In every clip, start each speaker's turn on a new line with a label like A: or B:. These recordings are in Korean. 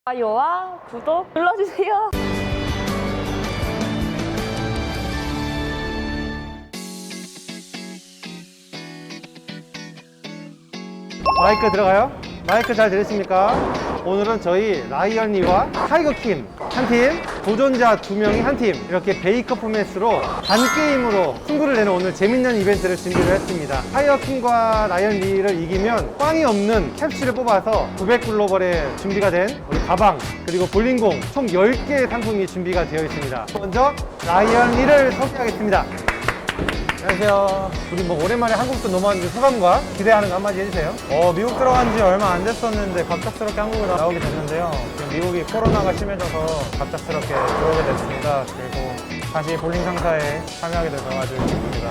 A: 좋아요와 구독 눌러주세요.
B: 마이크 들어가요? 마이크 잘 들으십니까? 오늘은 저희 라이언리와 타이거킴 한 팀, 도전자 2명이 한 팀, 이렇게 베이커 포맷으로 단게임으로 승부를 내는 오늘 재밌는 이벤트를 준비를 했습니다. 타이거킴과 라이언리를 이기면 꽝이 없는 캡슐을 뽑아서 900글로벌에 준비가 된 우리 가방, 그리고 볼링공 총 10개의 상품이 준비가 되어 있습니다. 먼저 라이언리를 소개하겠습니다. 안녕하세요. 우리 뭐 오랜만에 한국도 넘어왔는데 소감과 기대하는 거 한마디 해주세요.
C: 미국 들어간 지 얼마 안 됐었는데 갑작스럽게 한국에 나오게 됐는데요. 지금 미국이 코로나가 심해져서 갑작스럽게 들어오게 됐습니다. 그리고 다시 볼링 상사에 참여하게 돼서 아주 기쁩니다.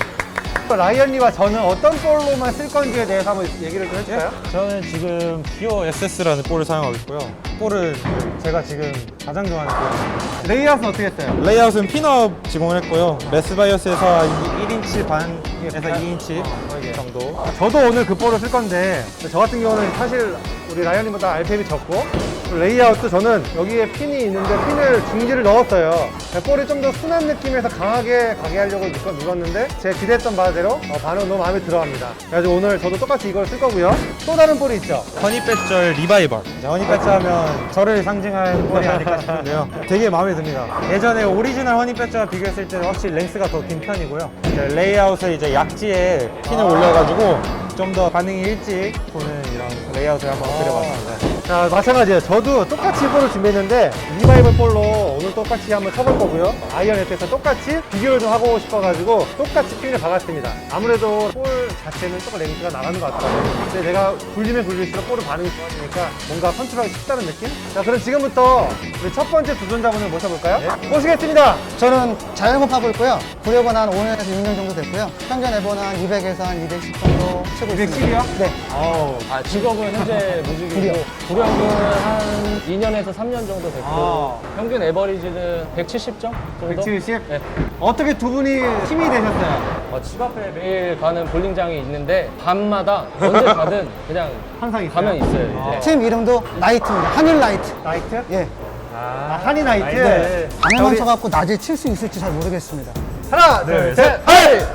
B: 라이언리와 저는 어떤 볼로만 쓸 건지에 대해서 한번 얘기를 좀 해줄까요?
C: 저는 지금 기어 SS라는 볼을 사용하고 있고요. 볼은 제가 지금 가장 좋아하는 볼입니다.
B: 레이아웃은 어떻게 했어요?
C: 레이아웃은 핀업 제공을 했고요. 메스바이어스에서 1인치 반에서 2인치 정도.
B: 저도 오늘 그 볼을 쓸 건데 저 같은 경우는 사실 우리 라이언리보다 RPM이 적고 레이아웃도 저는 여기에 핀이 있는데 핀을 중지를 넣었어요. 볼이 좀 더 순한 느낌에서 강하게 가게 하려고 눌렀는데 제가 기대했던 바대로 반응 너무 마음에 들어합니다. 그래가지고 오늘 저도 똑같이 이걸 쓸 거고요. 또 다른 볼이 있죠.
C: 허니배절 리바이벌. 허니배절 하면 저를 상징하는 볼이 아닐까 싶은데요. 되게 마음에 듭니다. 예전에 오리지널 허니배절과 비교했을 때는 확실히 랭스가 더 긴 편이고요. 이제 레이아웃을 이제 약지에 핀을 올려가지고 좀 더 반응이 일찍 보는 이런 레이아웃을 한번 그려봤습니다.
B: 자, 마찬가지예요. 저도 똑같이 볼을 준비했는데 리바이벌 볼로 오늘 똑같이 한번 쳐볼 거고요. 아이언에서 똑같이 비교를 좀 하고 싶어가지고 똑같이 핀을 박았습니다. 아무래도 볼 자체는 조금 렌즈가 나가는 것 같더라고요. 근데 내가 굴리면 굴릴수록 볼은 반응이 좋아지니까 뭔가 컨트롤하기 쉽다는 느낌? 자, 그럼 지금부터 우리 첫 번째 도전자분을 모셔볼까요? 네. 모시겠습니다.
D: 저는 자영업하고 있고요. 구력은 한 5년에서 6년 정도 됐고요. 현재 내보는 한 200에서 한 210 정도 치고 있습니다.
B: 210이요?
D: 네.
E: 직업은 현재 무직이고 구력은 한 2년에서 3년 정도 됐고 평균 에버리지는 170점 정도?
B: 170?
E: 네.
B: 어떻게 두 분이 팀이 되셨어요?
E: 집 앞에 매일 가는 볼링장이 있는데 밤마다 언제 가든 그냥
B: 항상 있어요?
E: 가면 있어요. 이제.
D: 팀 이름도 나이트입니다. 하늘 나이트.
B: 나이트?
D: 예.
B: 한이 나이트?
C: 네.
D: 밤에만
B: 우리
D: 쳐갖고 낮에 칠 수 있을지 잘 모르겠습니다.
B: 하나, 둘, 셋, 하이!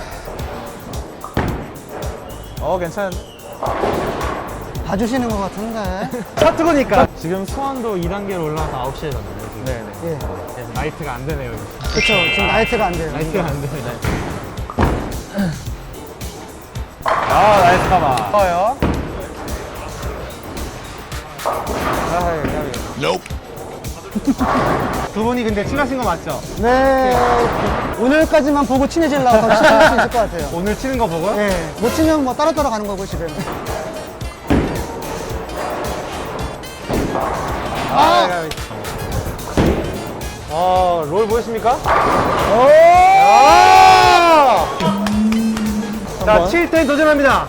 C: 괜찮은데?
D: 봐주시는 것 같은데.
B: 샷트고니까.
C: 지금 수원도 2단계로 올라와서 9시에 졌네요. 지금. 네네.
D: 예.
C: 그래서 나이트가 안 되네요. 여기.
D: 그쵸. 지금 나이트가 안 돼요.
C: 나이트가 안 되네. 나이스 카바.
B: 좋아요. 두 분이 근데 친하신 거 맞죠?
D: 네. 오늘까지만 보고 친해지려고 더 친해질 수 있을 것 같아요.
B: 오늘 치는 거 보고?
D: 예. 못 치면 뭐 따로 가는 거고, 집에는.
B: 롤 보이십니까? 자, 7대 도전합니다.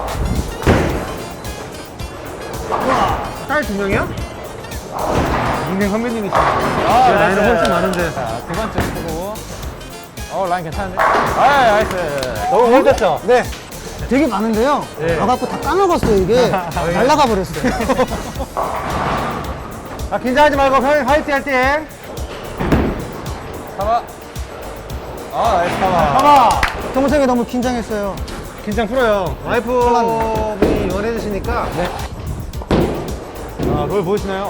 B: 우와, 딸 두 명이야? 닉네임 선배님이시네. 나이는 훨씬 많은데.
C: 두 번째 쓰고. 라인 괜찮은데? 나이스.
B: 너무 멋졌죠?
D: 네. 되게 많은데요. 와갖고 다 까먹었어요, 이게. 날라가 버렸어요.
B: 긴장하지 말고 편히 화이팅 할 때.
C: 카바. 나이스 카바.
B: 봐봐.
D: 동생이 너무 긴장했어요.
B: 긴장 풀어요. 와이프분이 원해주시니까. 네. 롤 보이시나요?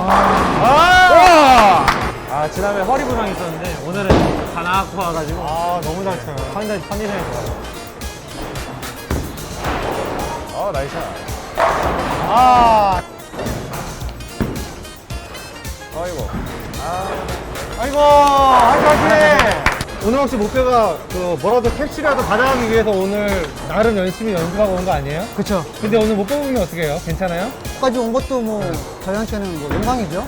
C: 지난해 허리 부상이 있었는데 오늘은 다 나갖고 와가지고
B: 너무 잘 쳐요.
C: 컨디션이 좋아요. 나이스.
B: 아이고, 화이팅! 오늘 혹시 목표가 뭐라도 캡슐이라도 받아가기 위해서 오늘 나름 열심히 연습하고 온 거 아니에요?
D: 그쵸.
B: 근데 오늘 못 뽑으면 어떻게 해요? 괜찮아요?
D: 여기까지 온 것도 뭐, 저희한테는 뭐, 영광이죠.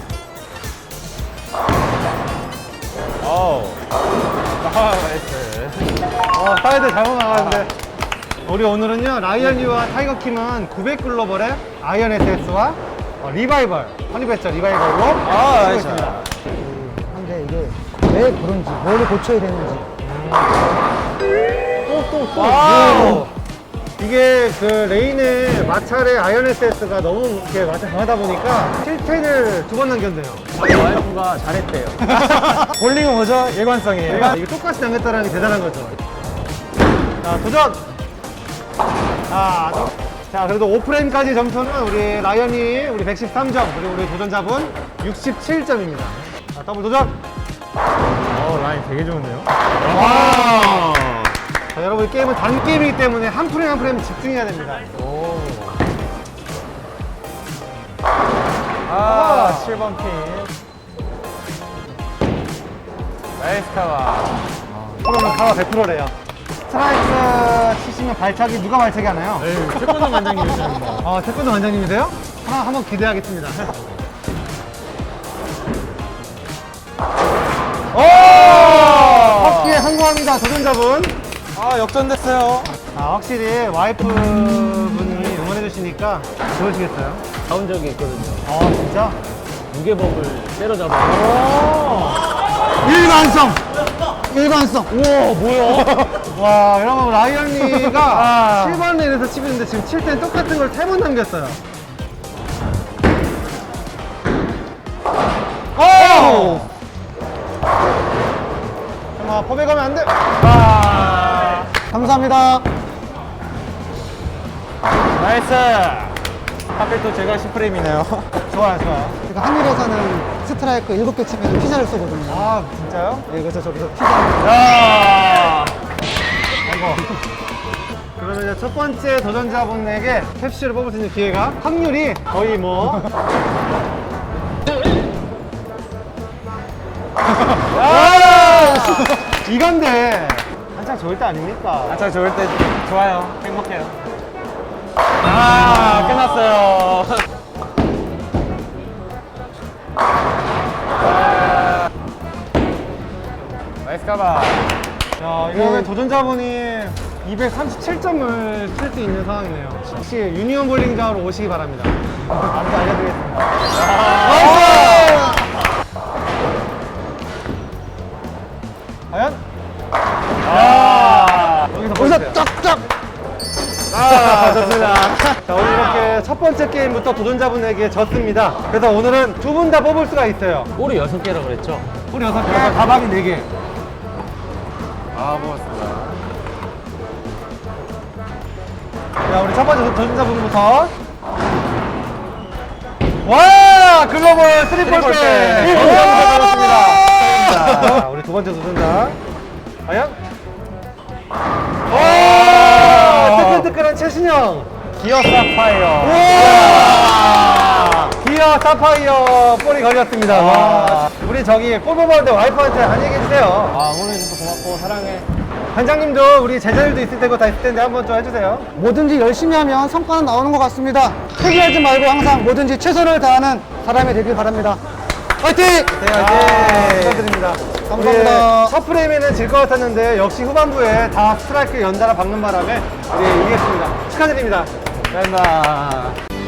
C: 나이스.
B: 사이드 잘못 나가는데. 우리 오늘은요, 라이언리와 타이거킴은 900글로벌의 아이언 SS와 리바이벌, 허니배절 리바이벌로 쓰고 있습니다.
D: 근데 이게 왜 그런지, 뭘 고쳐야 되는지.
B: 와우! 이게 그 레인의 마찰의 아이언 SS가 너무 이렇게 마찰 강하다 보니까 7텐을 2번 남겼네요.
E: 저희 와이프가 잘했대요.
C: 볼링은 뭐죠? 일관성이에요.
B: 이게 똑같이 남겼다는 게 대단한 거죠. 자, 도전! 자, 그래도 5프레임까지 점수는 우리 라이언이 우리 113점, 그리고 우리 도전자분 67점입니다. 자, 더블 도전!
C: 라인 되게 좋은데요?
B: 자, 여러분, 이 게임은 단 게임이기 때문에 한 프레임 한 프레임 집중해야 됩니다.
C: 7번 핀. 나이스 카바.
B: 프로는 가와 100%래요. 스트라이크 치시면 발차기 누가 발차기 하나요?
C: 태권도 관장님이십니다.
B: 태권도 원장님이세요? 한번 기대하겠습니다. 확실히 성공합니다, 도전자분.
C: 역전됐어요.
B: 확실히 와이프분이 응원해주시니까 좋으시겠어요?
E: 가운 적이 있거든요.
B: 진짜?
E: 무게법을 때려잡아요.
B: 일관성!
D: 일관성.
B: 우와, 뭐야? 와, 여러분, 라이언이가 7번 레인에서 치고 있는데 지금 7대 똑같은 걸 3번 남겼어요. 오! 잠깐만, 법에 가면 안 돼!
D: 감사합니다.
C: 나이스. 하필 또 제가 10프레임이네요.
B: 좋아요, 좋아요.
D: 그러니까 한일에서는 스트라이크 7개 치면 피자를 쏘거든요.
B: 진짜요?
D: 네, 그래서 저기서 피자.
B: 그러면 이제 첫 번째 도전자분에게 캡슐을 뽑을 수 있는 기회가 확률이 거의 뭐. 이건데 한창 좋을 때 아닙니까?
C: 한창 좋을 때 좋아요. 행복해요. 끝났어요. 나이스 카바.
B: 자, 이러면 도전자분이 237점을 칠 수 있는 상황이네요. 혹시 유니온 볼링장으로 오시기 바랍니다. 안내 알려드리겠습니다. 과연? 여기서 보여주세요.
D: 쫙쫙.
B: 좋습니다. 자, 오늘 이렇게 첫 번째 게임부터 도전자분에게 졌습니다. 그래서 오늘은 두 분 다 뽑을 수가 있어요.
E: 볼이 6개라고 그랬죠?
B: 우리 6개, 가방이 4개.
C: 고맙습니다.
B: 자, 우리 첫 번째 도전자분부터. 와! 글로벌 트리플
C: 트리플
B: 백!
C: 백!
B: 자, 우리 두 번째 도전자. 과연? 와! 뜨끈뜨끈한 최신형!
C: 기어 사파이어.
B: 우와! 기어 사파이어 볼이 걸렸습니다. 와. 우리 저기 골 뽑았는데 와이프한테 한 얘기 해주세요.
E: 응원해줘서 고맙고 사랑해.
B: 관장님도 우리 제자들도 있을 테고 다 있을 텐데 한번 좀 해주세요.
D: 뭐든지 열심히 하면 성과는 나오는 것 같습니다. 포기하지 말고 항상 뭐든지 최선을 다하는 사람이 되길 바랍니다. 화이팅!
B: 축하드립니다.
D: 감사합니다.
B: 우리 첫 프레임에는 질 것 같았는데 역시 후반부에 다 스트라이크 연달아 박는 바람에 우리 이겼습니다. 축하드립니다.
C: 감사합니다.